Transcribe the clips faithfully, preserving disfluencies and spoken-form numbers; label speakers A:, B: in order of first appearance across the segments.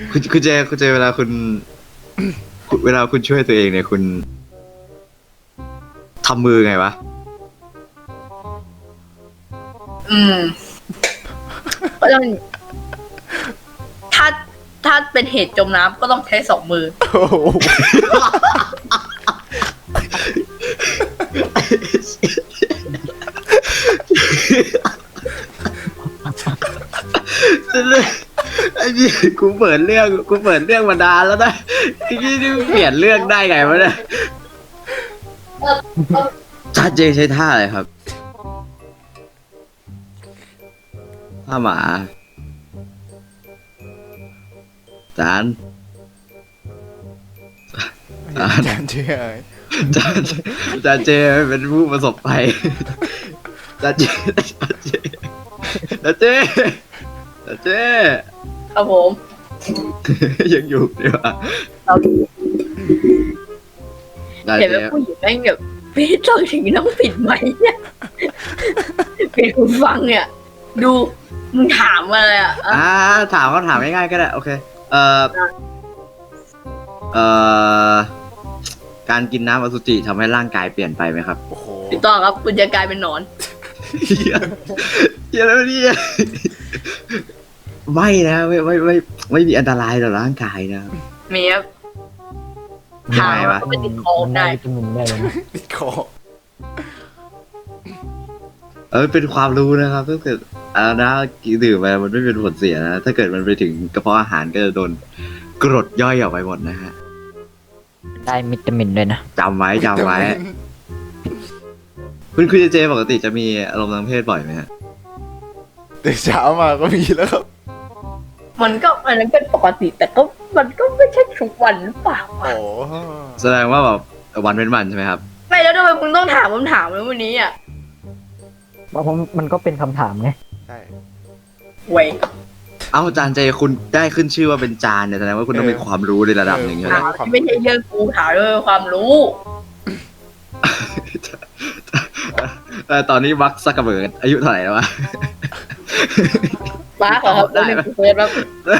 A: คุณคุณเจคุณเจเวลาคุณคุณเวลาคุณช่วยตัวเองเนี่ยคุณทำมือไงวะ
B: อืมก็ต้องถ้าถ้าเป็นเหตุจมน้ำก็ต้องใช้สองมือ
C: โอ้โห
A: ไอ้นี่กูเปิดเรื่องกูเปิดเรื่องมานานแล้วนะไอ้นี่นี่เปลี่ยนเรื่องได้ไงวะเนี่ยจานเจใช้ท่าอะไรครับท่าหมาจานจาน
C: จานเชื่อ
A: จานจานเจเป็นผู้ประสบภัยจานเจจานเจจานเจจานเจ
B: ครับผม
A: ยังอยู่ดีวะ
B: เรา
A: จาน
B: เห็น
A: เจ
B: ว่าผู้หญิงแม่งแบบพี่ต้องถึงต้องปิดไหมเนี่ยปิดหูฟังเนี่ย ดูมึงถามมาเลยอ่ะ
A: อ่าถามก็ถามง่ายๆก็ได้โอเคเอ่อเอ่อการกินน้ำอสุจิทำให้ร่างกายเปลี่ยนไปไหมครับ
C: โอ้โห
B: ถูกต้องครับคุณจะกลายเป็นหนอน
A: เฮียเฮียแล้วเนี่ยไม่นะไม่ไม่ไม่ไม่มีอันตรายต่อร่างกายนะ
B: เมียบ
A: ยั
B: ถาง ม
A: ไงวะ
B: ว่าไม่ติดคอ
D: มัน
B: ได้
D: วิตามินได้เลยนะ
C: ติดคอ
A: เออเป็นความรู้นะครับถ้าเกิดอ่านะดื่มไปมันไม่เป็นผลเสียนะถ้าเกิดมันไปถึงกระเพาะอาหารก็จะโดนกรดย่อยออกไปหมดนะฮะ
D: ได้วิตามินด้วยนะ
A: จำไว้จำไว้ คุณคุณเจปกติจะมีอารมณ์ทางเพศบ่อยไหมฮะ
C: เดี๋ยวเช้ามาก็มีแล้วครับ
B: มันก็อันนั้นเป็นปกติ แต่ก็มันก็ไม่ใช่ทุกวันหรือเปล่า
C: โอ้
B: วะ
A: แสดงว่าแบบวันเป็นวันใช่ไหมครับ
B: ไม่แล้วทำไมมึงต้องถามคำถามแล้ววันนี้อ่ะ
D: เพราะผมมันก็เป็นคำถามไง
C: ใช่
B: เว้ย
A: เอาจานเจคุณได้ขึ้นชื่อว่าเป็นจานเนี่ยแสดงว่าคุณต้องมีความรู้ในระดับหนึ่งใช่ไหม
B: ถามที่ไม่ใช่เรื่องกูถามด้วยความรู้
A: แต่ตอนนี้วักซักกระเบิดอายุเท่าไหร่แล้ววะ
B: มาร์คเหรอครับ
A: ได้
B: ได้
A: ไหม
B: เฟซครับ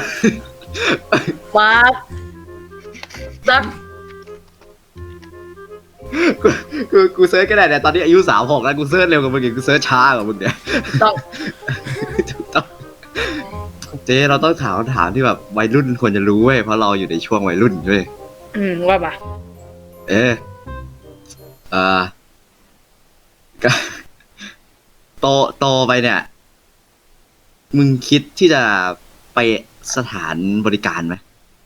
B: มาร์คซัก
A: กูกูกูเซิร์ชก็ได้แต่ตอนนี้อายุสามหกแล้วกูเซิร์ชเร็วกว่ามึงอีกกูเซิร์ชช้ากว่ามึงเนี่ย
B: ต้อง
A: ถูกต้องเจเราต้องถามคำถามที่แบบวัยรุ่นควรจะรู้เว้ยเพราะเราอยู่ในช่วงวัยรุ่นเว้ย
B: อืมว่ามา
A: เอ๊ะเอ่อก็โตโตไปเนี่ย มึงคิดที่จะไปสถานบริการไหม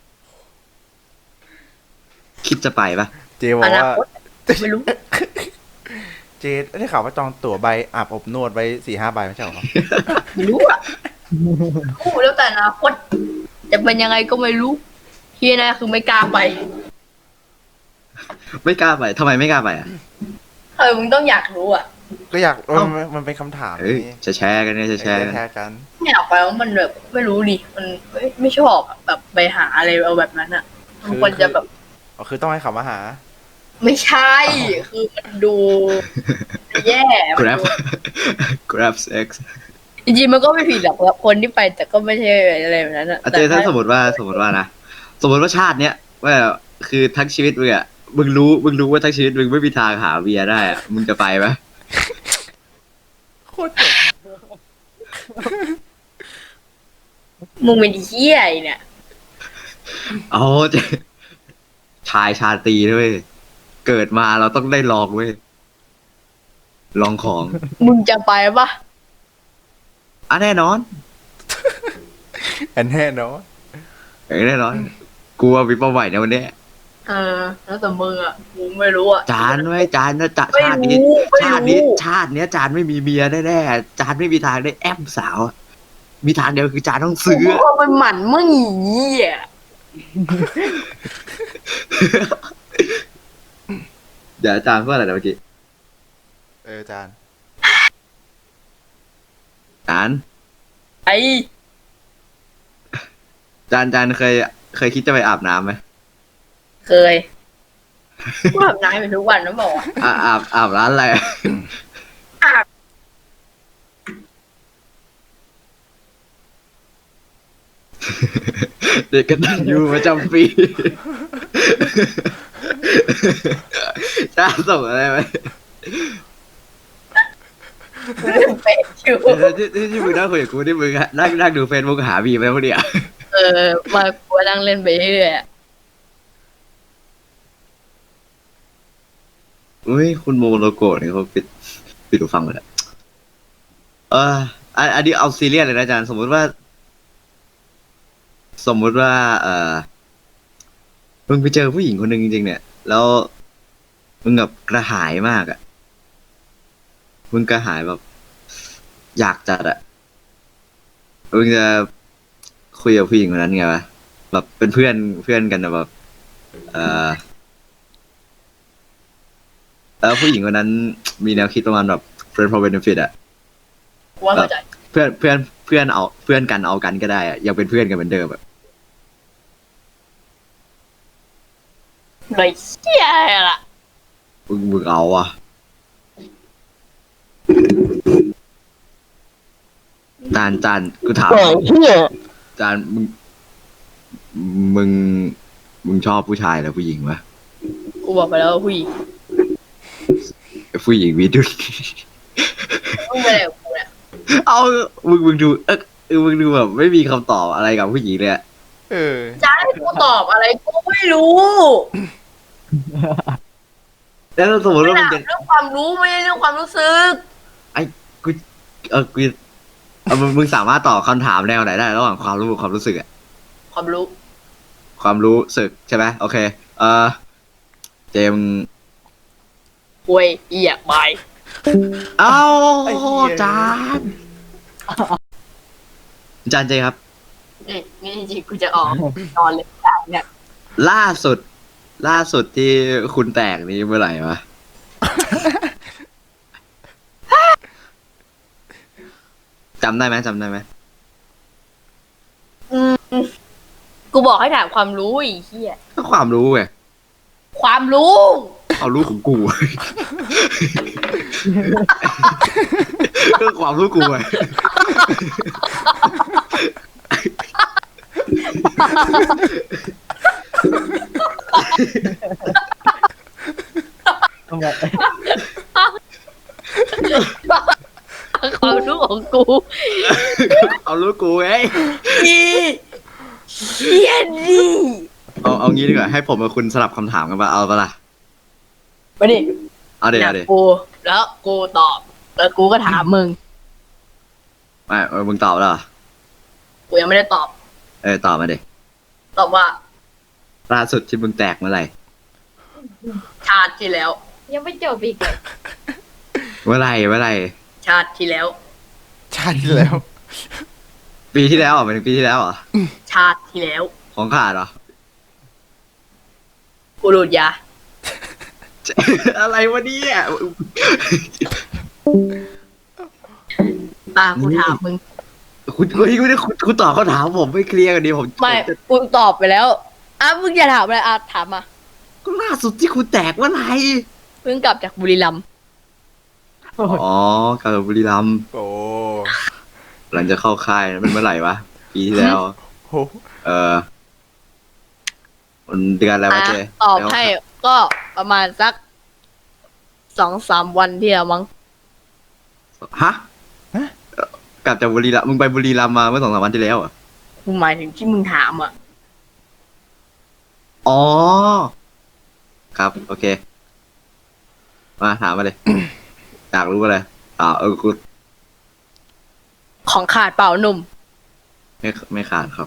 A: คิดจะไปปะ
C: เจบอ
B: อก นา
C: ว่า
B: คตไม่รู้
C: เจได้ข่าวว่าจองตั๋วใบอาบอบนวดไว้สี่ห้าใบไม่ใช่เหรอ
B: ไม่รู้อ่ะรู้แล้วแต่อนาคตจะเป็นยังไงก็ไม่รู้ที่แน่คือไม่กล้าไป
A: ไม่กล้าไปทำไมไม่กล้าไปอ่ะ
B: เออมึงต้องอยากรู้อ่ะ
C: ก็อยากเออ
A: เอ้า
C: มันมันเป็นคำถาม
A: เอ้ย
C: นี่
A: จะแชร์กันเนี่ยจะแชร์กัน
C: แชร์กัน
B: ไม่อยากไปเพราะมันแบบไม่รู้ดิมันไม่ไม่ชอบอะแบบไปหาอะไรเอาแบบนั้นอ่ะมันควรจะแบบ
C: อ๋อคือต้องให้เขามาหา
B: ไม่ใช่ คือมันดูแย่
A: ก
B: มัน
A: ราฟ
B: ดู
A: กราฟเซ็กซ์
B: จริงๆมันก็ไม่ผิดหรอกคนที่ไปแต่ก็ไม่ใช่อะไรแบบนั้นอะ
A: อาจารย์ถ้าสมมติว่าสมมติว่านะสมมติว่าชาติเนี้ยว่าคือทั้งชีวิตมึงอ่ะมึงรู้มึงรู้ว่าทั้งชีวิตมึงไม่มีทางหาเบียร์ได้อ่ะมึงจะไปไหม
C: โคตรเจ็บ
B: มึงเป็นเหี้ยไอ้เนี่ย
A: อ๋อเจ๊ชายชาตรีด้วยเกิดมาเราต้องได้ลองเว้ยลองของ
B: มึงจะไปปะ
A: อ่ะแน่นอน
C: อันแน่เนาะ
A: เอ้ยแน่นอนกลัวมีเป้าหมายในวันเนี้ย
B: เออแล้วแต่มึงอะกูไม่รู้อะ
A: จานไว้จานนะจะ
B: ไม่
A: ชาตินี้
B: รู้ไม่
A: ชาตินี้
B: รู้
A: ชาติเนี้ยจานไม่มีเมียแน่ๆจานไม่มีทางได้แอมสาวอะมีทางเดียวคือจานต้อง
B: กู
A: ซื้อ
B: ก็ไปหมั่นมึงอีเหี้ย
A: เดี๋ยวอาจารย์พูดอะไรนะเมื่อกี้
C: เออจาน
A: จาน
B: ไอ้
A: จานจานเคย เคยคิดจะไปอาบน้ำไหม
B: เคยกูอาบน้ำไปทุกวันนะบอกว่า
A: อ่าอาบอาบร้านอะไร
B: อาบ
A: เด็กกตัญญูประจำปีจ้าส่งอะไรไหม
B: เล่นเป็ดอยู่
A: ที่ที่ที่มึงนั่งคุยกับกูที่มึงอะนั่งนั่งดูเฟซบุ๊กหาบีไปพวกเนี้ย
B: เออมากูนั่งเล่นไปเรื่อยๆอะ
A: อุ้ยคุณโมโลโกะเนี่ยเขาปิดปิดหูฟังหมดแล้วเอออันอันนี้เอาซีเรียสเลยนะอาจารย์สมมุติว่า สมมุติว่า เออมึงไปเจอผู้หญิงคนหนึ่งจริงๆเนี่ย แล้วมึงแบบกระหายมากอะมึงกระหายแบบ อยากจัดอะมึงจะคุยกับผู้หญิงคนนั้นไงวะแบบเป็นเพื่อนเพื่อนกันนะแบบ เออแล้วผู้หญิงคนนั้นมีแนวคิดประมาณแบบ friend for benefit อะ
B: กูว่าเข้าใจ
A: เพื่อนเพื่อนเพื่อนเอาเพื่อนกันเอากันก็ได้อะยังเป็นเพื่อนกันเหมือนเดิมอะ
B: เลยเชี่ยล่ะ
A: มึงมึงเอาอะจานจานกูถามจานมึงมึงมึงชอบผู้ชายหรือผู้หญิงวะ
B: กูบอกไปแล้วว่าผู้หญิง
A: ผู้หญิงมีดุล
B: มึงไปไหนกับกูเนี่ย
A: เอามึงมึงดูเออเออมึงดูแบบไม่มีคำตอบอะไรกับผู้หญิงเลยอะ
C: เออ
B: จะให้กูตอบอะไรกูไม่รู้
A: แล้วสมมติ
B: ไม่
A: ว่ามึ
B: ถาง ม
A: จะ
B: เรื่องความรู้ไม่ใช่เรื่องความรู้สึก
A: กูเออกูเออมึงมึงสามารถตอบคำถามแนวไหนได้ระหว่างความรู้กับความรู้สึกอะ
B: ความรู้
A: ความรู้สึกใช่ไหมโอเค เออเจมส์
B: ควยเอียบาย
A: เอ้า
C: ไอ้เหี้ย
A: จานจานเจครับ
B: เอ้ยนี่จริงๆกูจะออกนอนเลยจ้าเนี่ย
A: ล่าสุด ล่าสุดที่คุณแตกนี้เมื่อไหร่วะ จำได้ไหมจำได้ไหม
B: อืมกูบอกให้ถามความรู้ไอีเหี้ย
A: ก็ความรู้ไง
B: ความรู้
A: เอารู้ของกู ก็ความรู้กูไง
D: ทำไม
B: ความรู้ของกู
A: เอารู้กูไง
B: อีเหี้ยดิ
A: เอาเอางี้ดีกว่าให้ผมกับคุณสลับคำถามกันปะเอาปะล่ะ
B: มาดิ
A: เอาเดี๋ยว
B: เนี่
A: เอา
B: ย
A: เดี๋ยว
B: กูแล้วกูตอบ แล้วกูก็ถามมึง
A: ไม่เออมึงตอบแล้วเหรอ
B: กูยังไม่ได้ตอบ
A: เออตอบมาเด็
B: ตอบว่า
A: ล่าสุดที่มึงแตกเมื่อไหร่
B: ชาติที่แล้ว
E: ยังไม่จบอีกเลย
A: เมื่อไหร่เมื่อไหร่
B: ชาติที่แล้ว
C: ชาติที่แล้ว
A: ปีที่แล้วเหรอหมายถึงปีที่แล้วเหรอ
B: ชาติที่แล้ว
A: ของขาดเหรอ
B: กูดูดยา
A: อะไรวะเนี่ย
B: อ่ากูถามมึง
A: คุณเฮ้ยคุณคุณคุณตอบคำถามผมไม่เคลียร์กันดีผม
B: ไม่
A: ผมจะ
B: กูตอบไปแล้วอ่ะมึงอย่าถามเลยอ่ะถามมา
A: ก็ล่าสุดที่คุณแตกเมื่อไหร่
B: เพิ่งกลับจากบุรีรัมย์
A: อ๋อกลับจากบุรีรัมย์
C: โอ้
A: หลังจะเข้าค่ายมันเมื่อไหร่วะปีที่แล้ว
C: โห
A: เออมันเดือนอะไรวะ
B: อ่ะ
A: เจ
B: ตอบให้ก็ประมาณสักสองสามวันที่แล้วมั้ง
A: ฮะกลับจากบุรีรัมย์มึงไปบุรีรัมย์มาเมื่อสองสามวันที่แล้วเหรอ่ะ
B: กูหมายถึงที่มึงถามอ่ะ
A: อ๋อ ครับ โอเค มาถามมาเลย อยากรู้อะไรอ่าเออคุณ
B: ของขาดเปล่าหนุ่ม
A: ไม่ไม่ขาดครับ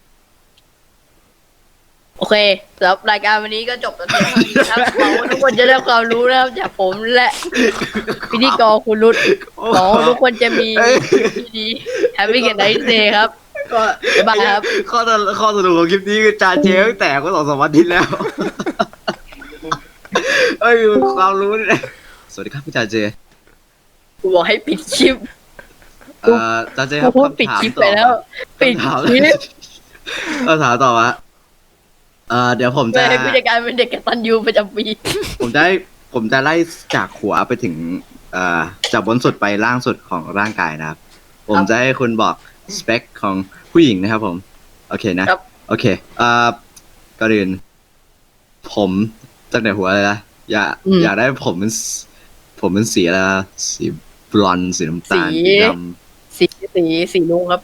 B: โอเคแล้วรายการวันนี้ก็จบแล้วนะครับหวังว่าทุกคนจะได้ความรู้นะครับจากผมและพิธีกรคุณรุตหวังว่าทุกคนจะมีที่ดีแฮปปี้กันไนท์เดย์ครับ
A: ก็
B: บ๊ายบายครับ
A: ข้อสรุปข้อสรุปของคลิปนี้คือจานเจตั้งแต่ก็สองสามวันที่แล้ว เอ้ยความรู้เนี่ยสวัสดีครับพี่จานเจ
B: กูบอกให้ปิดคลิป
A: เอ่อจานเจครับ
B: กูพูดปิดคลิปไปแล้ว ปิด
A: คำถาม
B: คลิป
A: คำถามต่อมาเอ่อเดี๋ยวผม
B: เพื่
A: จะ
B: อให้ผู้จัดการเป็นเด็กกตัญญูประจำปี
A: ผมจะให้ผมจะไล่จากหัวไปถึงเอ่อจากบนสุดไปล่างสุดของร่างกายนะครับ ผมจะให้คุณบอกสเปคของผู้หญิงนะครับผม โอเคนะ
B: ครับ
A: โอเคอ่าก่อนอื่นผมตั้งแต่หัวเลยนะอยากอยากได้ผมเป็นสผมเป็นสีอะไรนะสีบลอนด์สีน้ำตาลสีด
B: สีสีสีลุงครับ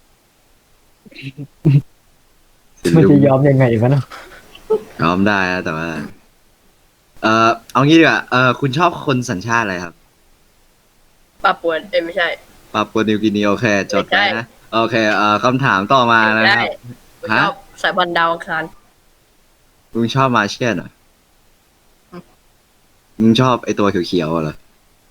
A: ำสี
D: มัน
A: ลุ
D: จะ
A: ง
D: ยอมยังไงวะเนาะ
A: ยอมได้นะแต่ว่า เออเอางี้ดีกว่าเออคุณชอบคนสัญชาติอะไรครับ
B: ปาปวนเอ้ยไม่ใช่
A: ปาปัวนิวกินีโอเค จด
B: ไม่ใช่
A: ไว้นะ โอเคเอ่อคำถามต่อมานะ
B: ไม่
A: ค
B: ใช่
A: รับ
B: ผมช
A: ฮะ
B: อบสายพันธุ์ดาวอังคาร
A: มึงชอบมาเชียนเหรอมึงชอบไอตัวเขียวๆเหรอ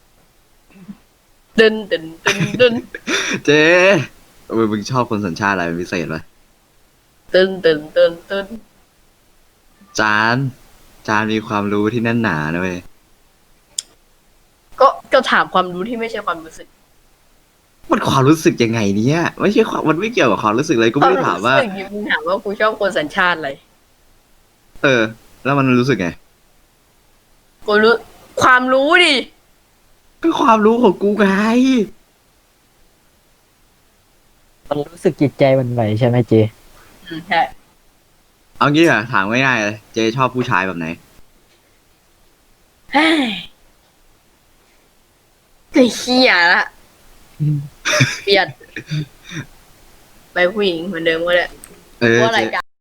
B: ดึนดึนดึนดึน
A: เจ๊เออมึงชอบคนสัญชาติอะไรเป็นพิเศษไหม
B: ดึนดึนดึนดึน
A: จานจานมีความรู้ที่แน่นหนานะเว้ย
B: ก็ก็ถามความรู้ที่ไม่ใช่ความรู้สึก
A: มันความรู้สึกยังไงเนี่ยไม่ใช่ความมันไม่เกี่ยวกับความรู้สึกเลยกูไม่ได้ถามว่า
B: ควรู้สึกมึงถามว่ากูชอบคนสัญชาติอะไร
A: เออ แล้วมันรู้สึกไง
B: กูรู้ความรู้ดิ
A: ก็ความรู้ของกูไง
D: มันรู้สึกจิตใจหมันไหวใช่ไหมเจ
B: อืมใช่
A: เอางี้ดีกว่าถามง่ายๆเลยเจ๊ชอบผู้ชายแบบไหน
B: เฮ้ยไอ้เหี้ยละเปลี่ยนไปผู้หญิงเหมือนเดิมก็ได้
A: เออ
B: เพราะราย
A: เจ๊
B: การ